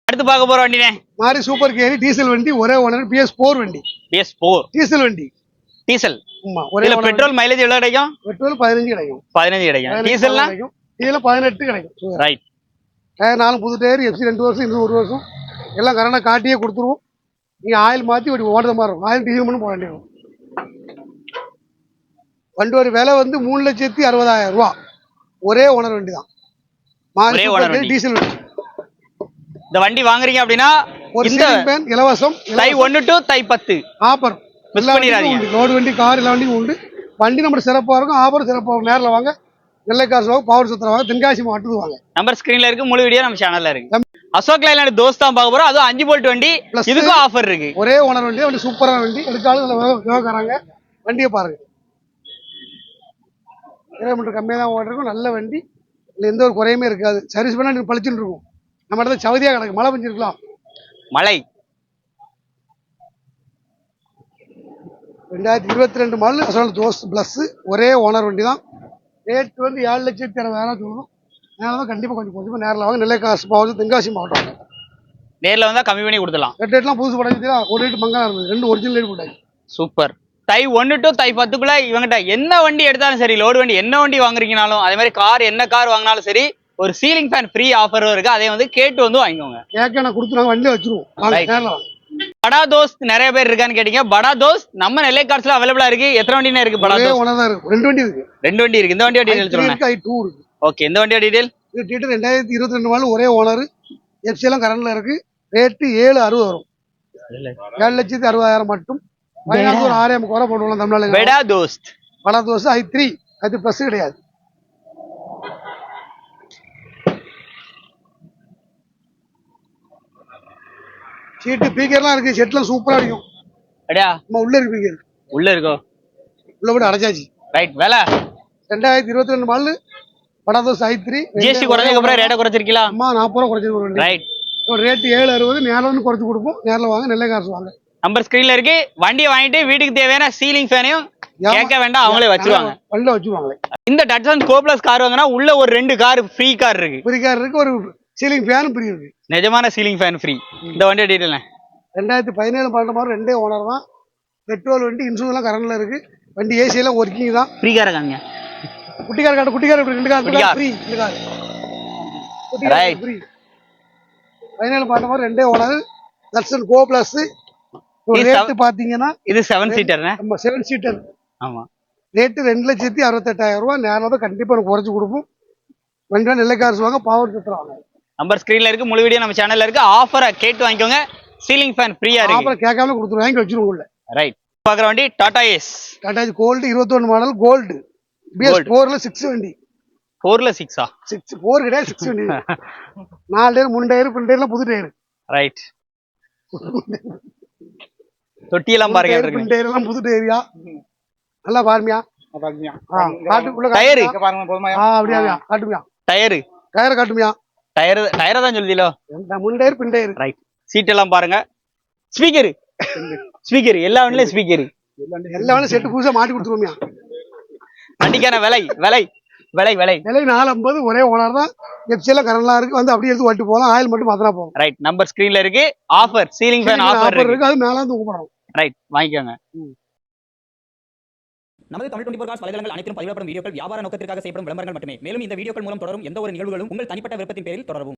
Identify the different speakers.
Speaker 1: அடுத்து பார்க்க போற வண்டினே
Speaker 2: மாரி சூப்பர் கேரி டீசல் வண்டி, ஒரே ஓனர், PS4 வண்டி.
Speaker 1: PS4
Speaker 2: டீசல் வண்டி.
Speaker 1: டீசல்.
Speaker 2: ஆமா, ஒரே
Speaker 1: ஓனர். பெட்ரோல் மைலேஜ் எவ்வளவு கிடைக்கும்?
Speaker 2: பெட்ரோல் 15 கிடைக்கும்.
Speaker 1: 15 கிடைக்கும். டீசல்னா
Speaker 2: இதுல 18 கிடைக்கும்.
Speaker 1: ரைட்.
Speaker 2: டயர் 4 புது டயர், FC 2 வருஷம், இது 1 வருஷம். எல்லாம் கரெக்டா காட்டியே கொடுத்துருவோம். நீங்க ஆயில் மாத்தி இப்படி ஓடுற மாதிரி இருக்கும். ஆயில் டீசல் மட்டும் போட வேண்டியது. வண்டியோட விலை வந்து 3,60,000 ரூபா. ஒரே ஓனர் வண்டி தான். மாரி சூப்பர் கேரி டீசல் வண்டி.
Speaker 1: இந்த வண்டி வாங்குறீங்க அப்படின்னா
Speaker 2: ஒரு சீலிங் ஃபேன் இலவசம்.
Speaker 1: Thai 1 to Thai 10
Speaker 2: offer.
Speaker 1: Miss பண்ணிராதீங்க.
Speaker 2: லோடு வண்டி, கார் எல்லா வண்டியும் உண்டு. வண்டி நம்ம சிறப்பா இருக்கும், ஆஃபர் சிறப்பா இருக்கும். நேரில் வாங்க, நெல்லை காசு வாங்க, பவர் சுத்திர வாங்க, தென்காசி மாவட்டத்துக்கு வாங்க.
Speaker 1: நம்பர் ஸ்கிரீன்ல இருக்கு, முழு வீடியோ நம்ம சேனல்ல இருக்கு. அசோக் லைலாண்ட் தோஸ்த் தான் பார்க்க போறோம். அதுவும் 5 போல்ட் வண்டி, இதுக்கும் ஆஃபர் இருக்கு.
Speaker 2: ஒரே ஓனர் வண்டி, வண்டி சூப்பரான வண்டி. எடுக்காலும் விவகாரங்க. வண்டியை பாருங்க, கிலோமீட்டர் கம்மியாக தான் ஓட்டிருக்கும். நல்ல வண்டி, இல்லை எந்த ஒரு குறையுமே இருக்காது. சர்வீஸ் பண்ணா நீங்க பழிச்சுட்டு இருக்கும். நம்ம இடத்துல சவதியா கிடக்கு, மழை பெஞ்சிருக்கலாம்.
Speaker 1: மழை
Speaker 2: 2022 மாடல் அசோக் தோஸ்த் பிளஸ், ஒரே ஓனர் வண்டி தான். ரேட் வந்து 7,60,000 சொல்லணும். நேரில் கண்டிப்பாக கொஞ்சம் நேரில் வாங்க. நெல்லை காசு மாவட்டம், தென்காசி மாவட்டம்.
Speaker 1: நேரில் வந்தா கம்மி பண்ணி கொடுத்துடலாம்.
Speaker 2: ரேட்லாம் புதுசு படம் ஒரு ரேட் மங்கா இருந்தது. 2 ஒரிஜினல் ரேட் போட்டாங்க.
Speaker 1: சூப்பர். தை 1 டு தை 10க்குள்ள இவங்கிட்ட என்ன வண்டி எடுத்தாலும் சரி, லோடு வண்டி என்ன வண்டி வாங்குறீங்கனாலும், அதே மாதிரி கார் என்ன கார் வாங்கினாலும் சரி, ஒரு சீலிங் ஃபேன் ஃப்ரீ ஆஃபரும் இருக்கு. அதை வந்து கேட்டு வந்து வாங்கிக்கோங்க.
Speaker 2: கேட்க நான் கொடுத்துருவாங்க, வண்டியை வச்சிருவோம்.
Speaker 1: படா தோஸ்த் நிறைய பேர் இருக்கான்னு கேட்டீங்க. படா தோஸ்த் நம்ம நெல்லை கார்ஸ்ல அவைலபிளா இருக்கு. எத்தனை வண்டினா இருக்கு? படா தோஸ்த்
Speaker 2: 2 வண்டி இருக்கு.
Speaker 1: 2 வண்டி இருக்கு. இந்த வண்டியோட டீடைல் சொல்லுங்க. ஓகே, இந்த வண்டியோட டீடைல்.
Speaker 2: இது டீடைல் 2022 மாடல், ஒரே ஓனர், FC எல்லாம் கரண்ட்ல இருக்கு. ரேட் 7,60,000 வரும். 7,60,000 மட்டும். ஃபைனான்ஸ் ஒரு 6,000 குறை போடுவோம் தமிழ்நாடு.
Speaker 1: படா தோஸ்த்
Speaker 2: i3 அது பிளஸ் கிடையாது. சீட்டு பீக்கர்லாம் இருக்கு. செட்லாம் சூப்பரா அடிக்கும்.
Speaker 1: அடியா
Speaker 2: நம்ம உள்ள இருக்கு. பீக்கர்
Speaker 1: உள்ள இருக்கோ?
Speaker 2: உள்ள போட்டு அடைச்சாச்சு.
Speaker 1: ரைட். வேலை
Speaker 2: 2022 மாடல் படா தோஸ்த் i3.
Speaker 1: ஜிஎஸ்டி குறைஞ்சதுக்கு அப்புறம் ரேட்டை குறைச்சிருக்கீங்களா?
Speaker 2: அம்மா 40 ரூபா குறைச்சிருக்கோம்.
Speaker 1: ரைட்.
Speaker 2: ரேட் 7,60. நேரில் வந்து குறைச்சு கொடுப்போம். நேரில் வாங்க, நெல்லை காசு வாங்க.
Speaker 1: நம்பர் ஸ்கிரீன்ல இருக்கு. வண்டியை வாங்கிட்டு வீட்டுக்கு தேவையான சீலிங் ஃபேனையும் கேட்க வேண்டாம், அவங்களே வச்சிருவாங்க.
Speaker 2: வண்டியில வச்சிருவாங்களே. இந்த
Speaker 1: டட்சன் கோ பிளஸ் கார் வாங்கினா உள்ள ஒரு 2 கார் ஃப்ரீ கார் இருக்கு.
Speaker 2: ஃப்ரீ கார் இருக்கு, ஒரு சீலிங் ஃபேன் ஃப்ரீ இருக்கு.
Speaker 1: நிஜமான சீலிங் ஃபேன் ஃப்ரீ. இந்த வண்டியோட டீடைல்
Speaker 2: 2017 12 மாதம் 2 ஓனர் தான். பெட்ரோல் வண்டி, இன்சூரன்ஸ் எல்லாம் கரண்ட்ல இருக்கு. வண்டி ஏசி எல்லாம் ஒர்க்கிங் தான்.
Speaker 1: ஃப்ரீ கார் காமிங்க.
Speaker 2: குட்டிக்கார காட்டு, குட்டிக்கார இப்படி 2 கார் ஃப்ரீ. இந்த கார் குட்டிக்கார ஃப்ரீ. 17 12 மாதம் 2 owner, Datsun go plus. Rate பாத்தீங்கன்னா
Speaker 1: இது 7 சீட்டர்.
Speaker 2: நம்ம 7 சீட்டர்.
Speaker 1: ஆமா.
Speaker 2: ரேட் 2,68,000 ரூபாய். நேரில் தான் கண்டிப்பா குறைச்சு கொடுப்போம். வண்டியா நெல்லை காசு வாங்க, பவர் சுத்துறாங்க.
Speaker 1: நம்பர் ஸ்கிரீன்ல இருக்கு, முழு வீடியோ நம்ம சேனல்ல இருக்கு. ஆஃபரை கேட்டு வாங்கிக்கோங்க. சீலிங் ஃபேன் ஃப்ரீயா இருக்கு.
Speaker 2: ஆஃபர் கேட்காம கொடுத்துருவோம், வாங்கி வச்சிருவோம் உள்ள.
Speaker 1: ரைட். பாக்குற வண்டி Tata Ace.
Speaker 2: Tata Ace gold 21 model gold. BS4ல 6 வண்டி.
Speaker 1: 4ல 6ஆ?
Speaker 2: 4 கிடையாது, 6 வண்டி. 4 டயர், 3 டயர், 2 டயர்லாம் புது டயர்.
Speaker 1: ரைட். தொட்டி எல்லாம் பாருங்க.
Speaker 2: 2 டயர்லாம் புது டயர்யா. நல்லா பாருமியா. காட்டுக்குள்ள
Speaker 1: டயர்
Speaker 2: பாருங்க போதுமா. அப்படியே காட்டுமியா.
Speaker 1: டயர்
Speaker 2: காட்டுமியா.
Speaker 1: டயர் தான் சொல்லுதீங்களோ?
Speaker 2: 3 டயர், பின் டயர்.
Speaker 1: ரைட். சீட் எல்லாம் பாருங்க. ஸ்பீக்கர் எல்லா வண்டியிலும் ஸ்பீக்கர்.
Speaker 2: எல்லா வண்டியும் செட்டு புதுசா மாட்டி கொடுத்துருவோம்யா.
Speaker 1: வண்டிக்கான விலை
Speaker 2: 450. ஒரே ஓனர் தான். FC எல்லாம் கரண்ட்லாம் இருக்கு. வந்து அப்படியே எடுத்து ஓட்டு போகலாம். ஆயில் மட்டும் மாத்தினா போகும்.
Speaker 1: ரைட். நம்பர் ஸ்கிரீன்ல இருக்கு. ஆஃபர் சீலிங் ஃபேன் ஆஃபர் இருக்கு.
Speaker 2: அது மேல வந்து கூப்பிடுறோம்.
Speaker 1: ரைட், வாங்கிக்கோங்க.
Speaker 3: நமது தமிழ் 24 காஸ் வலைதளங்கள் அனைத்தும் பதிவிடப்படும் வீடியோக்கள் வியாபார நோக்கத்திற்காக செய்யப்படும் விளம்பரங்கள் மட்டுமே. மேலும் இந்த வீடியோக்கள் மூலம் தொடரும் எந்த ஒரு நிகழ்வுகளும் உங்கள் தனிப்பட்ட விருப்பத்தின் பேரில் தொடரவும்.